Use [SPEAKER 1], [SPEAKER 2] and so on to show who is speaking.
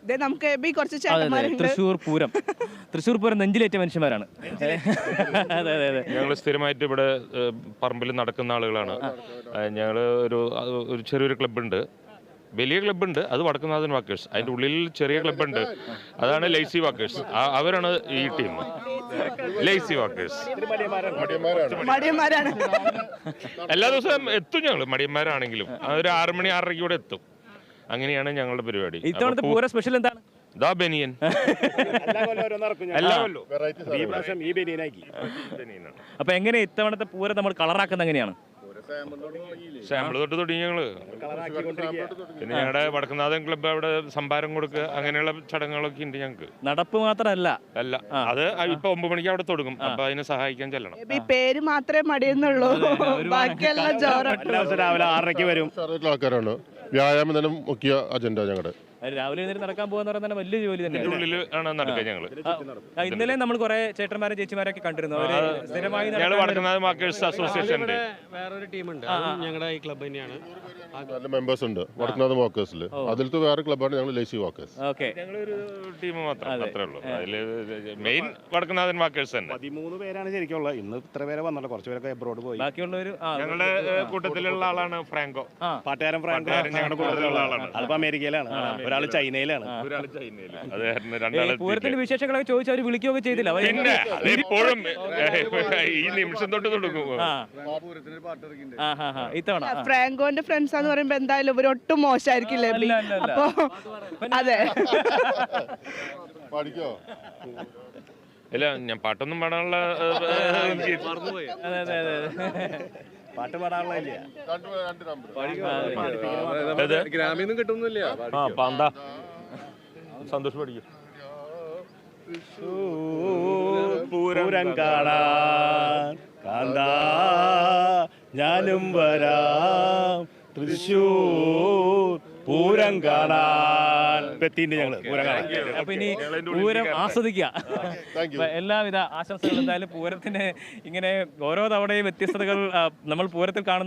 [SPEAKER 1] നമുക്ക് കുറച്ച് ചേട്ടന്മാരുണ്ട്.
[SPEAKER 2] തൃശ്ശൂർ പൂരം നെഞ്ചിലേറ്റ മനുഷ്യന്മാരാണ്. അതെ അതെ അതെ.
[SPEAKER 3] ഞങ്ങൾ സ്ഥിരമായിട്ട് ഇവിടെ പറമ്പിൽ നടക്കുന്ന ആളുകളാണ്. ഞങ്ങൾ ഒരു ചെറിയൊരു ക്ലബ്ബുണ്ട്, വലിയ ക്ലബ്ബുണ്ട്, അത് വടക്കുന്നാഥൻ വാക്കേഴ്സ്. അതിൻ്റെ ഉള്ളിൽ ചെറിയ ക്ലബ്ബുണ്ട്, അതാണ് ലേസി വാക്കേഴ്സ്. അവരാണ് ഈ ടീം, ലേസി വാക്കേഴ്സ്.
[SPEAKER 1] മടിയന്മാരാണ്.
[SPEAKER 3] എല്ലാ ദിവസവും എത്തും ഞങ്ങൾ, മടിയന്മാരാണെങ്കിലും ഒരു 6 മണി 6:30 കൂടെ എത്തും. അങ്ങനെയാണ് ഞങ്ങളുടെ പരിപാടി.
[SPEAKER 2] ഇത്തവണത്തെ പൂര സ്പെഷ്യൽ എന്താണ്?
[SPEAKER 3] ദാ ബനിയൻ.
[SPEAKER 2] അപ്പൊ എങ്ങനെ ഇത്തവണത്തെ പൂരം നമ്മൾ കളറാക്കുന്നത് എങ്ങനെയാണ്?
[SPEAKER 3] സാമ്പിൾ തൊട്ട് തുടങ്ങി ഞങ്ങള്. പിന്നെ ഞങ്ങളുടെ വടക്കുന്നാഥൻ ക്ലബ്ബ് അവിടെ സംഭാരം കൊടുക്കുക, അങ്ങനെയുള്ള ചടങ്ങുകളൊക്കെ ഉണ്ട് ഞങ്ങൾക്ക്.
[SPEAKER 2] നടപ്പ് മാത്രമല്ല
[SPEAKER 3] അല്ല, അത് ഇപ്പൊ 9 മണിക്ക് അവിടെ തുടങ്ങും. അപ്പൊ അതിനെ സഹായിക്കാൻ ചെല്ലണം.
[SPEAKER 1] ഈ പേര് മാത്രമേ മടിയെന്നുള്ളൂ, ബാക്കിയെല്ലാം ജോറാണ്.
[SPEAKER 4] രാവിലെ 6:30 വരും.
[SPEAKER 5] ആൾക്കാരാണ്. വ്യായാമം തന്നെ മുഖ്യ അജണ്ട ഞങ്ങളുടെ.
[SPEAKER 2] രാവിലെ എഴുന്നേറ്റ് നടക്കാൻ പോകുന്ന പറയുന്നത് വലിയ ജോലി തന്നെയാണ്.
[SPEAKER 3] ഉള്ളിൽ ആണ് നടക്കുക ഞങ്ങള്.
[SPEAKER 2] ഇന്നലെ നമ്മൾ കുറെ ചേട്ടന്മാരും ചേച്ചിമാരൊക്കെ കണ്ടിരുന്നു. സ്ഥിരമായി
[SPEAKER 3] ഞങ്ങൾ വടക്കുന്നാഥൻ വാക്കേഴ്സ് അസോസിയേഷന്റെ
[SPEAKER 6] വേറൊരു ടീമുണ്ട്, ഞങ്ങളുടെ ഈ ക്ലബ്ബ് തന്നെയാണ്.
[SPEAKER 5] നല്ല മെമ്പേഴ്സ് ഉണ്ട് വടക്കുന്നാഥൻ വാക്കേഴ്സിൽ. അതിലത്തെ വേറെ ക്ലബ്ബാണ് ഞങ്ങൾ ലേസി വാക്കേഴ്സ്.
[SPEAKER 3] ഞങ്ങളൊരു ടീം മാത്രമേ ഉള്ളൂ. അതില് മെയിൻ വടക്കുന്നാഥൻ വാക്കേഴ്സ് തന്നെ.
[SPEAKER 4] 13 പേരാണ് ശരിക്കും ഉള്ളത്. ഇന്ന് ഇത്ര പേരെ വന്നല്ലോ, കുറച്ച് പേരൊക്കെ എബ്രോഡ് പോയി.
[SPEAKER 2] ബാക്കിയുള്ളവർ
[SPEAKER 3] ഞങ്ങളുടെ കൂട്ടത്തിലുള്ള ആളാണ് ഫ്രാങ്കോ,
[SPEAKER 4] പാട്ടുകാരൻ ഫ്രാങ്കോ.
[SPEAKER 3] ഞങ്ങളുടെ കൂട്ടത്തിലുള്ള ആളാണ്.
[SPEAKER 4] അതിപ്പോ അമേരിക്കയിലാണ്, ഒരാൾ ചൈനയിലാണ്.
[SPEAKER 2] പൂരത്തിന്റെ വിശേഷങ്ങളൊക്കെ ചോദിച്ചു അവർ വിളിക്കുകയൊക്കെ ചെയ്തില്ല.
[SPEAKER 3] പിന്നെ അതിപ്പോഴും ഈ നിമിഷം തൊട്ട് തുടങ്ങും.
[SPEAKER 2] ഇത്തവണ
[SPEAKER 1] ഫ്രാങ്കോന്റെ ഫ്രണ്ട്സ് എന്ന് പറയുമ്പോ എന്തായാലും ഇവരൊട്ടും മോശമായിരിക്കില്ലേ? അപ്പൊ അതെ,
[SPEAKER 5] പഠിക്കോ?
[SPEAKER 3] ഇല്ല, ഞാൻ പാട്ടൊന്നും പാടാനുള്ള
[SPEAKER 4] പാട്ട് പാടാനുള്ള
[SPEAKER 6] ഗ്രാമീന്നും കിട്ടുന്നില്ല.
[SPEAKER 3] സന്തോഷം പഠിക്കും.
[SPEAKER 4] പൂരം കാണാൻ കാന്താ ഞാനും വരാം, തൃശ്ശൂർ പൂരം കാണാൻ എത്തിയിട്ടുണ്ട് ഞങ്ങള്. പൂരം കാണാൻ.
[SPEAKER 2] അപ്പൊ ഇനി പൂരം ആസ്വദിക്കുക. എല്ലാവിധ ആശംസകളും. എന്തായാലും പൂരത്തിന് ഇങ്ങനെ ഓരോ തവണയും വ്യത്യസ്തതകൾ നമ്മൾ പൂരത്തിൽ കാണുന്ന